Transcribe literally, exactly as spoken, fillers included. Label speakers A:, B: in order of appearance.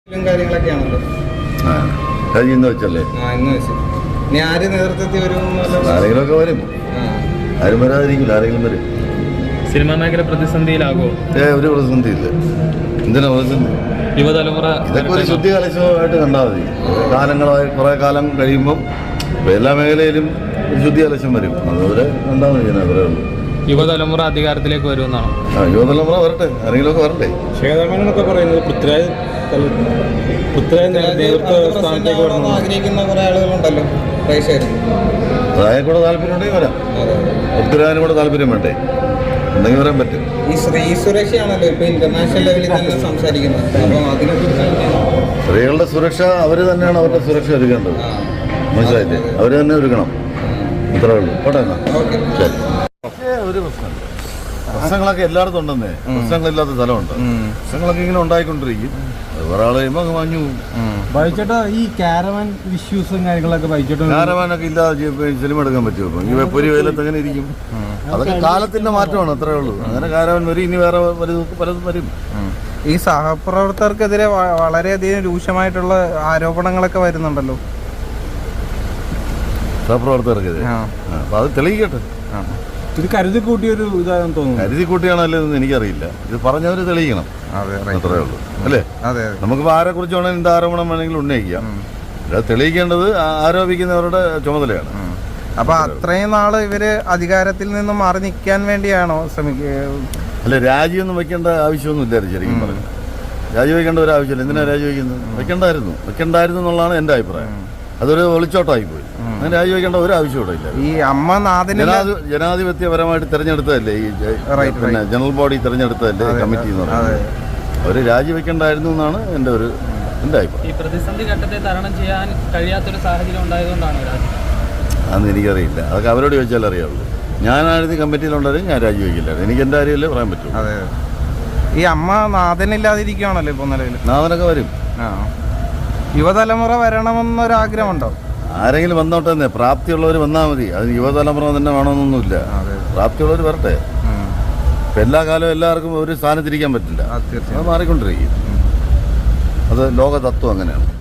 A: കാര്യങ്ങളൊക്കെയാണല്ലോ
B: ഇന്ന് വെച്ചല്ലേ
A: ആര് നേതൃത്വത്തിൽ വരും?
B: ആരെങ്കിലുമൊക്കെ വരും, ആരും വരാതിരിക്കില്ല, ആരെങ്കിലും വരും.
C: സിനിമാ മേഖല പ്രതിസന്ധിയിലാകുമോ?
B: ഏ ഒരു പ്രതിസന്ധി ഇല്ല. എന്തിനാ പ്രതിസന്ധി?
C: യുവതലമുറ
B: ഇതൊക്കെ ഒരു ശുദ്ധി കലശമായിട്ട് കണ്ടാൽ മതി. കാലങ്ങളായി കുറെ കാലം കഴിയുമ്പം എല്ലാ മേഖലയിലും ഒരു ശുദ്ധി കലശം വരും. അതുപോലെ കണ്ടാൽ മതി. അവരേ ഉള്ളൂ.
C: യുവതലമുറ അധികാരത്തിലേക്ക് വരുമെന്നാണ്.
B: ആ യുവതലമുറ വരട്ടെ, ആരെങ്കിലുമൊക്കെ വരട്ടെ.
D: ശേഖരമേനൊക്കെ പറയുന്നത് പൃഥ്വിരാജ് പൃഥ്വിരാജ് നേതൃത്വ സ്ഥാനത്തേക്ക്
A: ആഗ്രഹിക്കുന്ന കുറെ ആളുകളുണ്ടല്ലോ പ്രേക്ഷകർ.
B: അതായത് കൂടെ താല്പര്യം ഉണ്ടെങ്കിൽ വരാം. പൃഥ്വിരാജിന് കൂടെ താല്പര്യം വേണ്ടേ? ഉണ്ടെങ്കിൽ വരാൻ പറ്റും.
A: ഈ സ്ത്രീ സുരക്ഷയാണല്ലോ ഇപ്പൊ ഇന്റർനാഷണൽ ലെവലിൽ തന്നെ സംസാരിക്കുന്നത്. അപ്പം അതിനെക്കുറിച്ച്
B: സ്ത്രീകളുടെ സുരക്ഷ അവർ തന്നെയാണ് അവരുടെ സുരക്ഷ ഒരുക്കേണ്ടത്. മനസ്സിലായില്ലേ? അവർ തന്നെ ഒരുക്കണം. ഇത്രേ ഉള്ളൂ. പോട്ടെ എന്നാ. ശരി. പക്ഷേ ഒരു പ്രശ്നമില്ല. പ്രശ്നങ്ങളൊക്കെ എല്ലായിടത്തും ഉണ്ടെന്നേ. പ്രശ്നങ്ങളില്ലാത്ത സ്ഥലമുണ്ട്. പ്രശ്നങ്ങളൊക്കെ ഇങ്ങനെ ഉണ്ടായിക്കൊണ്ടിരിക്കും. ഒരാൾ കഴിയുമ്പോൾ അങ്ങ് മഞ്ഞു പോകും.
D: ബൈച്ചേട്ടാ, ഈ കാരവാൻ ഇഷ്യൂസും കാര്യങ്ങളൊക്കെ ബൈച്ചേട്ടാ
B: കാരവാനൊക്കെ ഇല്ലാതെ സിനിമ എടുക്കാൻ പറ്റുമോ? ഈ പൊരി വെയിലത്ത് എങ്ങനെ ഇരിക്കും? അതൊക്കെ കാലത്തിന്റെ മാറ്റമാണ്. അത്രേ ഉള്ളൂ. അങ്ങനെ കാരവാൻ വരും. ഇനി വേറെ പലതും വരും.
A: ഈ സഹപ്രവർത്തകർക്കെതിരെ വളരെയധികം രൂക്ഷമായിട്ടുള്ള ആരോപണങ്ങളൊക്കെ വരുന്നുണ്ടല്ലോ
B: സഹപ്രവർത്തകർക്കെതിരെ. അപ്പൊ അത് തെളിയിക്കട്ടെ.
D: ഇത് കരുതി കൂട്ടിയൊരു ഇതാണെന്ന് തോന്നുന്നു.
B: കരുതി കൂട്ടിയാണല്ലോ എന്ന് എനിക്കറിയില്ല. ഇത് പറഞ്ഞവര് തെളിയിക്കണം. അത്രേ ഉള്ളൂ. അല്ലേ? നമുക്കിപ്പോൾ ആരെ കുറിച്ച് വേണമെങ്കിൽ എന്ത് ആരോപണം വേണമെങ്കിലും ഉന്നയിക്കാം. അത് തെളിയിക്കേണ്ടത് ആരോപിക്കുന്നവരുടെ ചുമതലയാണ്.
A: അപ്പൊ അത്രയും നാള് ഇവര് അധികാരത്തിൽ നിന്നും മാറി നിൽക്കാൻ വേണ്ടിയാണോ ശ്രമിക്കുക?
B: അല്ല, രാജിയൊന്നും വെക്കേണ്ട ആവശ്യമൊന്നും ഇല്ലായിരുന്നു. ശരിക്കും പറഞ്ഞു രാജിവെക്കേണ്ട ഒരു ആവശ്യമില്ല. എന്തിനാ രാജിവെക്കുന്നത്? വെക്കണ്ടായിരുന്നു വെക്കണ്ടായിരുന്നു എന്നുള്ളതാണ് എൻ്റെ അഭിപ്രായം. അതൊരു ഒളിച്ചോട്ടമായി പോയി. അങ്ങനെ രാജിവെക്കേണ്ട ഒരു ആവശ്യം ഇല്ല.
A: ഈ അമ്മ
B: ജനാധിപത്യപരമായിട്ട് തെരഞ്ഞെടുത്തതല്ലേ ഈ പിന്നെ ജനറൽ ബോഡി തെരഞ്ഞെടുത്തതല്ലേ കമ്മിറ്റി എന്ന് പറയുന്നത്. അവര് രാജിവെക്കണ്ടായിരുന്നു എന്നാണ് എൻ്റെ ഒരു എൻ്റെ അഭിപ്രായം.
C: ഈ പ്രതിസന്ധി ഘട്ടത്തെ തരണം ചെയ്യാൻ കഴിയാത്തൊരു സാഹചര്യം ഉണ്ടായതുകൊണ്ടാണ്
B: അതൊന്നും എനിക്കറിയില്ല. അതൊക്കെ അവരോട് ചോദിച്ചാൽ അറിയാവുള്ളൂ. ഞാനായിരുന്നു കമ്മിറ്റിയിലുണ്ടായിരുന്നു, ഞാൻ രാജിവെക്കില്ലായിരുന്നു. എനിക്ക് എൻ്റെ കാര്യമല്ലേ പറയാൻ പറ്റും.
A: അതെ. ഈ അമ്മ നാഥനില്ലാതിരിക്കുകയാണല്ലോ ഇപ്പോൾ നിലവിൽ.
B: നാഥനൊക്കെ വരും.
A: ആ യുവതലമുറ വരണമെന്നൊരാഗ്രഹമുണ്ടോ?
B: ആരെങ്കിലും വന്നോട്ടെ തന്നെ. പ്രാപ്തിയുള്ളവർ വന്നാൽ മതി. അതിന് യുവതലമുറ തന്നെ വേണമെന്നൊന്നുമില്ല. പ്രാപ്തിയുള്ളവർ വരട്ടെ. ഇപ്പം എല്ലാ കാലവും എല്ലാവർക്കും ഒരു സ്ഥാനത്തിരിക്കാൻ പറ്റില്ല. അത് മാറിക്കൊണ്ടിരിക്കും. അത് ലോക തത്വം അങ്ങനെയാണ്.